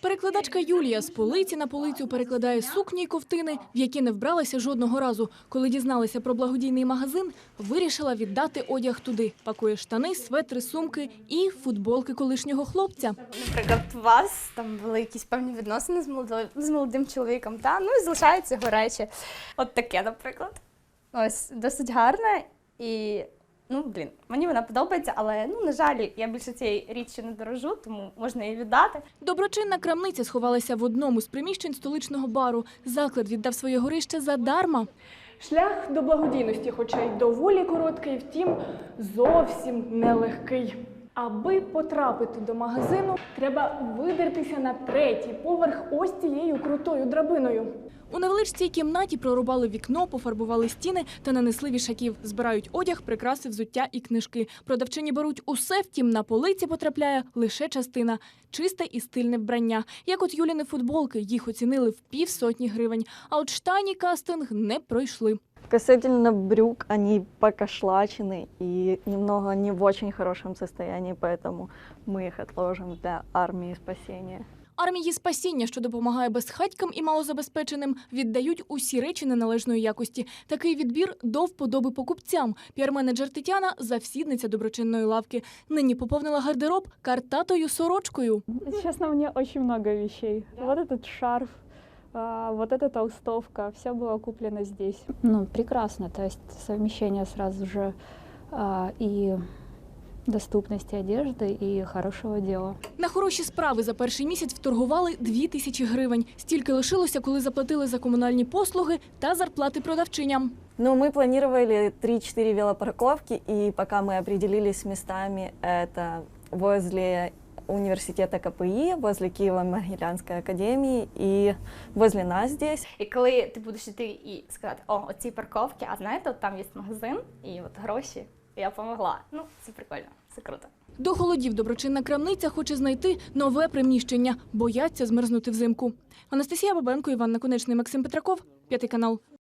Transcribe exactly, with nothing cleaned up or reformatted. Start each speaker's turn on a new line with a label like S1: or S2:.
S1: Перекладачка Юлія з полиці на полицю перекладає сукні й ковтини, в які не вбралася жодного разу. Коли дізналася про благодійний магазин, вирішила віддати одяг туди. Пакує штани, светри, сумки і футболки колишнього хлопця.
S2: Наприклад, у вас там були якісь певні відносини з молодим, з молодим чоловіком, та? Ну і залишаються його речі. От таке, наприклад. Ось, досить гарне і, ну, блін, мені вона подобається, але, ну, на жаль, я більше цієї річчю не дорожу, тому можна її віддати.
S1: Доброчинна крамниця сховалася в одному з приміщень столичного бару. Заклад віддав своє горище задарма.
S3: Шлях до благодійності, хоча й доволі короткий, втім, зовсім нелегкий. Аби потрапити до магазину, треба видертися на третій поверх ось цією крутою драбиною.
S1: У невеличкій кімнаті прорубали вікно, пофарбували стіни та нанесли вішаків. Збирають одяг, прикраси, взуття і книжки. Продавчині беруть усе, втім на полиці потрапляє лише частина – чисте і стильне вбрання. Як от Юліни футболки, їх оцінили в півсотні гривень. А от штані кастинг не пройшли.
S4: Касательно брюк, они покошлачены и немного не в очень хорошем состоянии, поэтому мы их отложим для армии спасения.
S1: Армії спасіння, що допомагає безхатькам і малозабезпеченим, віддають усі речі неналежної якості. Такий відбір до вподоби покупцям. Піар-менеджер Тетяна – завсідниця доброчинної лавки. Нині поповнила гардероб картатою сорочкою.
S5: Честно, мне очень много вещей. Вот этот шарф, а, вот эта толстовка, все было куплено здесь. Ну, прекрасно, то есть совмещение сразу же а, и доступности одежды и хорошего дела.
S1: На хороші справи за перший місяць вторгували дві тисячі гривень. Стільки лишилося, коли заплатили за комунальні послуги та зарплати продавчиням.
S4: Ну, мы планировали три-четыре велопарковки, и пока мы определились с местами, это возле университета ка пе і, возле Киево-Могилянской академии и возле нас здесь.
S2: І коли ти будеш йти і сказати, о, оці парковки, а знаєте, от там є магазин, і от гроші, я допомогла. Ну, це прикольно, це круто.
S1: До холодів доброчинна крамниця хоче знайти нове приміщення. Бояться змерзнути взимку. Анастасія Бабенко, Іван Наконечний, Максим Петраков, П'ятий канал.